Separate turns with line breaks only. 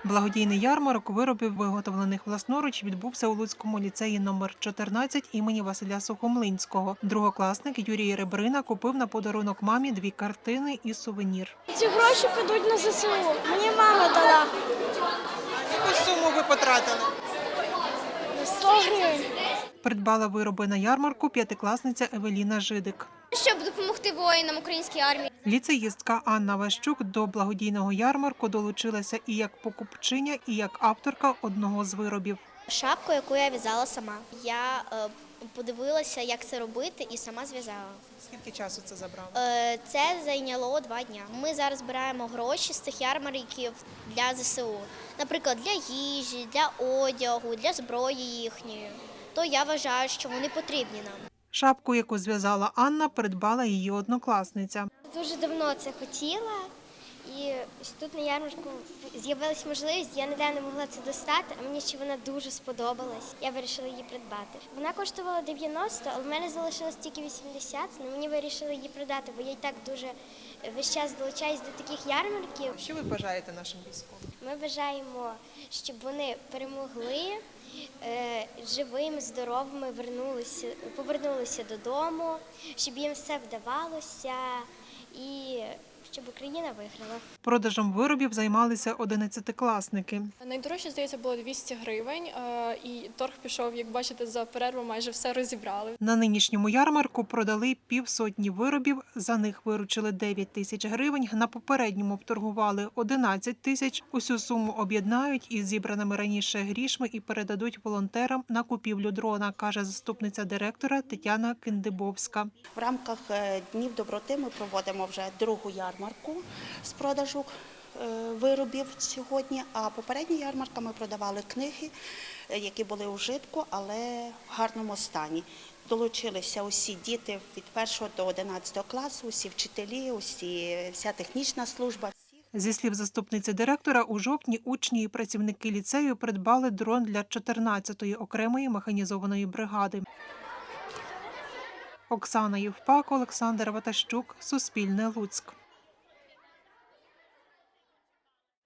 Благодійний ярмарок виробів, виготовлених власноруч, відбувся у Луцькому ліцеї номер 14 імені Василя Сухомлинського. Другокласник Юрій Ребрина купив на подарунок мамі 2 картини і сувенір.
Ці гроші підуть на ЗСУ. Мені мама дала.
Яку суму ви потратили?
100 гривень.
Придбала вироби на ярмарку п'ятикласниця Евеліна Жидик.
Щоб допомогти воїнам української армії.
Ліцеїстка Анна Ващук до благодійного ярмарку долучилася і як покупчиня, і як авторка одного з виробів.
Шапку, яку я в'язала сама. Я подивилася, як це робити, і сама зв'язала.
Скільки часу це забрало?
Це зайняло 2 дні. Ми зараз збираємо гроші з цих ярмарків для ЗСУ. Наприклад, для їжі, для одягу, для зброї їхньої. То я вважаю, що вони потрібні нам.
Шапку, яку зв'язала Анна, придбала її однокласниця.
Дуже давно це хотіла, і тут на ярмарку з'явилася можливість, я ніде не могла це достати, а мені ще вона дуже сподобалась. Я вирішила її придбати. Вона коштувала 90, але в мене залишилось тільки 80, але мені вирішили її продати, бо я і так дуже весь час долучаюсь до таких ярмарків.
Що ви бажаєте нашим військовим?
Ми бажаємо, щоб вони перемогли, живими, здоровими повернулися додому, щоб їм все вдавалося і щоб Україна виграла.
Продажем виробів займалися 11-класники.
Найдорожче, здається, було 200 гривень, і торг пішов, як бачите, за перерву майже все розібрали.
На нинішньому ярмарку продали 50 виробів, за них виручили 9 тисяч гривень, на попередньому вторгували 11 тисяч. Усю суму об'єднають із зібраними раніше грішми і передадуть волонтерам на купівлю дрона, каже заступниця директора Тетяна Киндибовська.
В рамках Днів доброти ми проводимо вже 2-гу ярмарку з продажу виробів сьогодні, а попередня ярмарка ми продавали книги, які були у вжитку, але в гарному стані. Долучилися усі діти від 1 до 11 класу, усі вчителі, вся технічна служба.
Зі слів заступниці директора, у жовтні учні і працівники ліцею придбали дрон для 14-ї окремої механізованої бригади. Оксана Євпак, Олександр Ватащук, Суспільне, Луцьк.